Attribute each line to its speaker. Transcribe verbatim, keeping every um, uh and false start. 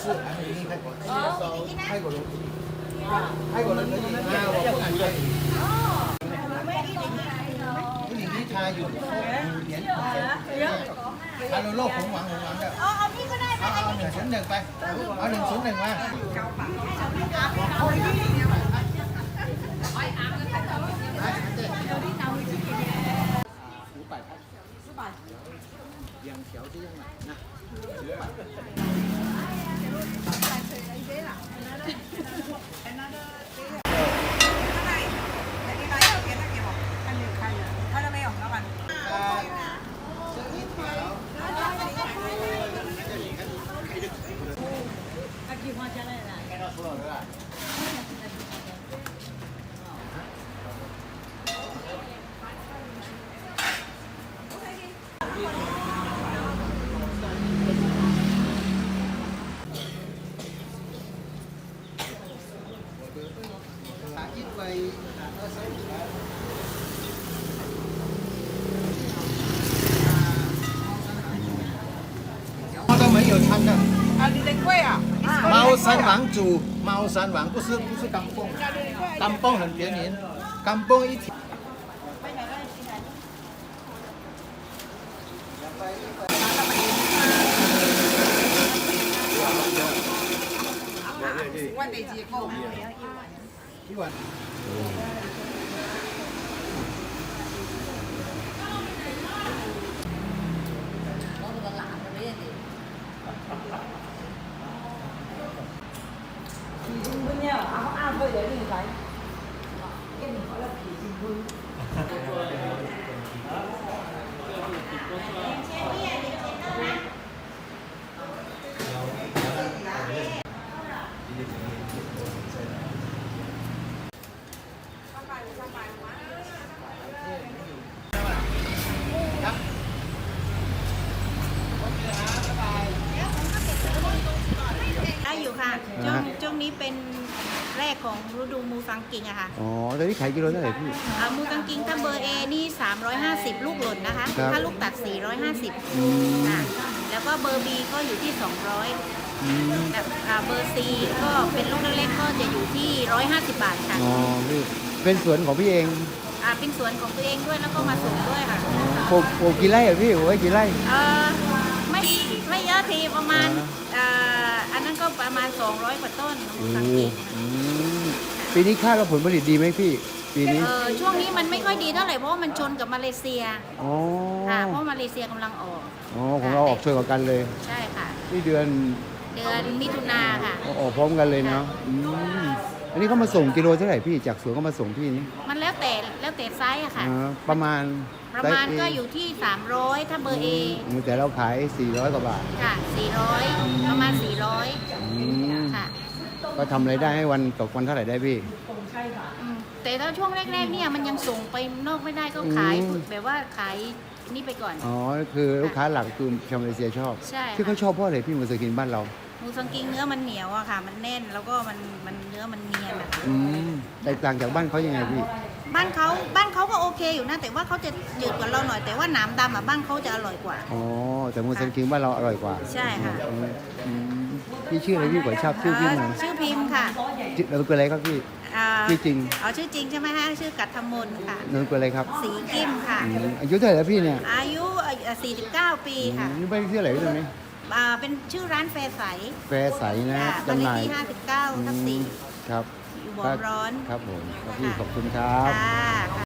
Speaker 1: 是还没离开过，泰国人，泰国人可以啊，我不敢可以。一零一他有年他有โลกผมหวังผมหวังแบบเอาเอานี่ก็ได้เอาเอาหนึ่งศูนย์หนึ่งไปเอาหนึ่งศูนย์หนึ่งมา五百块，四百，两条这样买，那五百。都没有穿的
Speaker 2: 啊，你的贵啊！
Speaker 1: 猫山王煮猫山王不是不是干蹦，干蹦很便宜，干蹦一条。
Speaker 2: 我地址高。
Speaker 1: 一碗。
Speaker 2: 皮筋分了，啊，我阿妹嚟呢仔，跟住我咧皮筋分。
Speaker 3: ได้อยู่ค่ะช่วงช่วงนี้เป็นแรกของฤดูมูซังกิงอะค่ะ
Speaker 4: อ๋อตอนนี้ขายกิโลเท่าไหร่พี่
Speaker 3: อ่ามูซังกิงถ้าเบอร์ A นี่สามร้อยห้าสิบลูกหล่นนะคะ
Speaker 4: ครับ
Speaker 3: ถ้าลูกตัดสี่ร้อยห้าสิบ
Speaker 4: อืม
Speaker 3: ค่ะแล้วก็เบอร์ B ก็อยู่ที่สองร้อย
Speaker 4: อืม
Speaker 3: แบบอ่าเบอร์ C ก็เป็นลูกเล็กๆก็จะอยู่ที่หนึ่งร้อยห้าสิบบาทค่ะ
Speaker 4: อ๋อพี่เป็นสวนของพี่เอง
Speaker 3: อ่าเป็นสวนของตัวเองด้วยแล้วก็มาส่งด้วยค่ะ
Speaker 4: ปลูกปลูกกี่ไร่อะพี่ปลูกไว้กี่ไร่
Speaker 3: เอ่อไม่ไม่เยอะทีประมาณ
Speaker 4: อ่า
Speaker 3: อ่าอันนั้นก็ประมาณสองร้อยกว่าต้นมู
Speaker 4: โอ้
Speaker 3: ซังกิง
Speaker 4: อืมปีนี้คาดว่าผลผลิตดีไหมพี่ ปีนี้
Speaker 3: เออช่วงนี้มันไม่ค่อยดีเท่าไหร่เพราะว่ามันชนกับมาเลเซีย
Speaker 4: อ๋อ
Speaker 3: ค่ะเพราะมาเลเซียกำลังออก
Speaker 4: อ๋อของเราออกช่วยกันเลย
Speaker 3: ใช่ค่ะ
Speaker 4: นี่เดือน
Speaker 3: เดือนมิถุนาค่ะ
Speaker 4: ออกพร้อมกันเลยเนาะอืมอันนี้เขามาส่งกิโลเท่าไหร่พี่จากสวนเขามาส่งพี่นี่
Speaker 3: มันแล้วแต่แล้วแต่ไซส์อะค่ะ
Speaker 4: อ่าประมาณ
Speaker 3: ประมาณก็อยู่ที่ สามร้อย ถ้าเบอร์ A
Speaker 4: อืมแต่เราขายสี่ร้อยกว่าบาท
Speaker 3: ค่ะ สี่ร้อย ประมาณ สี่ร้อย
Speaker 4: อืม
Speaker 3: ค่ะ
Speaker 4: ก็ทำรายได้ให้วันตกวันเท่าไหร่ได้พี่
Speaker 3: อืมแต่ถ้าช่วงแรกๆเนี่ยมันยังส่งไปนอกไม่ได้ก็ขาย
Speaker 4: อืม
Speaker 3: แบบว่าขายนี่ไปก่อน
Speaker 4: อ๋อ คือลูกค้าหลักคือชาวมาเลเซียชอบ
Speaker 3: ใช่
Speaker 4: ที่เขา
Speaker 3: ค่ะ
Speaker 4: ชอบเพราะอะไรพี่มาซื้อกินบ้านเรา
Speaker 3: หมูสังกิงเนื้อมันเหนียวอะค่ะ มันแน่นแล้วก็มันมันเนื้อมันเนียนอะ
Speaker 4: อืมแตกต่างจากบ้านเขายังไงพี่
Speaker 3: บ้านเขาบ้านเขาก็โอเคอยู่นะแต่ว่าเขาจะจืดกว่าเราหน่อยแต่ว่าหนามดำอะบ้านเขาจะอร่อยกว่า
Speaker 4: อ๋อ แต่มูสันคิงบ้านเราอร่อยกว่า
Speaker 3: ใช่ค่ะ
Speaker 4: อืมอืมพี่ชื่ออะไรพี่ขอทราบชื่อพี่หน่อย
Speaker 3: เอ่อชื่อพิมพ์ค่ะ
Speaker 4: ชื่อเราเป็นอะไรครับพี่
Speaker 3: อ่า
Speaker 4: ชื่อจริง
Speaker 3: อ๋อชื่อจริงใช่ไหมฮะชื่อกัตถมนค่ะ
Speaker 4: นามสกุลอะไรครับ
Speaker 3: สีกิมค่ะ
Speaker 4: อืมอายุเท่าไหร่แล้วพี่เนี่ย
Speaker 3: อายุเอ่อสี่สิบเก้าปี
Speaker 4: อื
Speaker 3: ค่ะ
Speaker 4: มนี่บ้านที่เท่าไหร่พี่ตรงนี้
Speaker 3: อ่าเป็นชื่อร้านแฟร์ใส
Speaker 4: แฟร์ใสนะ
Speaker 3: ค่ะบ้าน
Speaker 4: จำห
Speaker 3: เลข
Speaker 4: น่าย
Speaker 3: ที่ห้าสิบเก้าทับสี่
Speaker 4: ครับ
Speaker 3: อยู่บ่อร้อน
Speaker 4: ครับผมครับพี่ขอบคุณครับ
Speaker 3: ค่ะ